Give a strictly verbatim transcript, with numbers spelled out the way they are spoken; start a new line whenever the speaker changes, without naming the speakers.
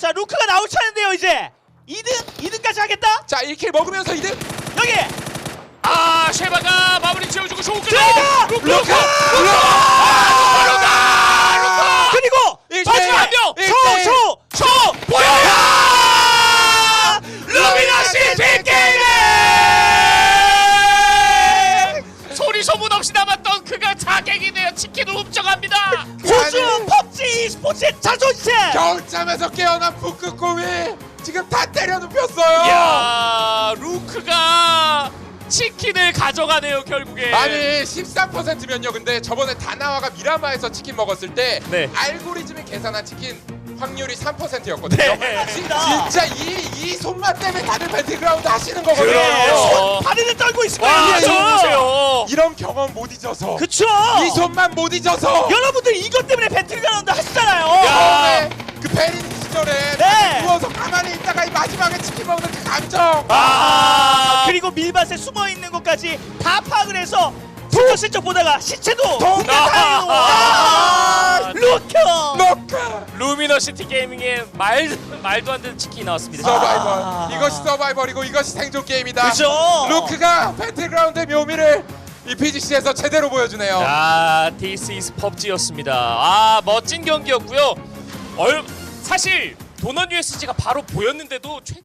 자 루크가 나올 차례인데요 이제 이 등 이 등까지 하겠다.
자 일 킬 먹으면서 이 등.
여기
아 쉐바가 마무리 지어주고 쇼크.
루카!
루카!
루카!
루카! 루카! 루카!
그리고
일
마지막
대
한 명.
일 대
초초초 보여요. 루미너시티 게임.
소리 소문 없이 남았던 그가 자객이네요. 치킨을 훔쳐갑니다.
호주 펍지 e스포츠의 자존심.
겨울잠에서 깨어난 북극곰이 지금 다 때려 눕혔어요.
야 루크가 치킨을 가져가네요 결국에.
아니 십삼 퍼센트면요. 근데 저번에 다나와가 미라마에서 치킨 먹었을 때
네.
알고리즘이 계산한 치킨 확률이 삼 퍼센트였거든요.
네, 맞습니다.
진짜 이, 이 손맛 때문에 다들 배틀그라운드 하시는 거거든요.
그래요.
다리를 떨고 있을
와
거예요.
저 보세요.
이런 경험 못 잊어서
그쵸.
이 손만 못 잊어서
여러분들 이것 때문에 배틀그라운드 하시잖아요.
처음에 그 베린 시절에
네.
누워서 가만히 있다가 이 마지막에 치킨 먹는 그 감정.
아, 그리고 밀밭에 숨어 있는 것까지 다 파악을 해서 슬쩍슬쩍 보다가 시체도 공개하는 와 루커.
노카
루미너시티 게이밍의 말 말도 안 되는 치킨이 나왔습니다.
서바이벌.
아.
이것이 서바이벌이고 이것이 생존 게임이다.
그죠.
루크가 배틀그라운드의 묘미를 이 피지씨에서 제대로 보여주네요.
자, This is 펍지였습니다. 아, 멋진 경기였고요. 얼 사실 도넛 유에스지가 바로 보였는데도 최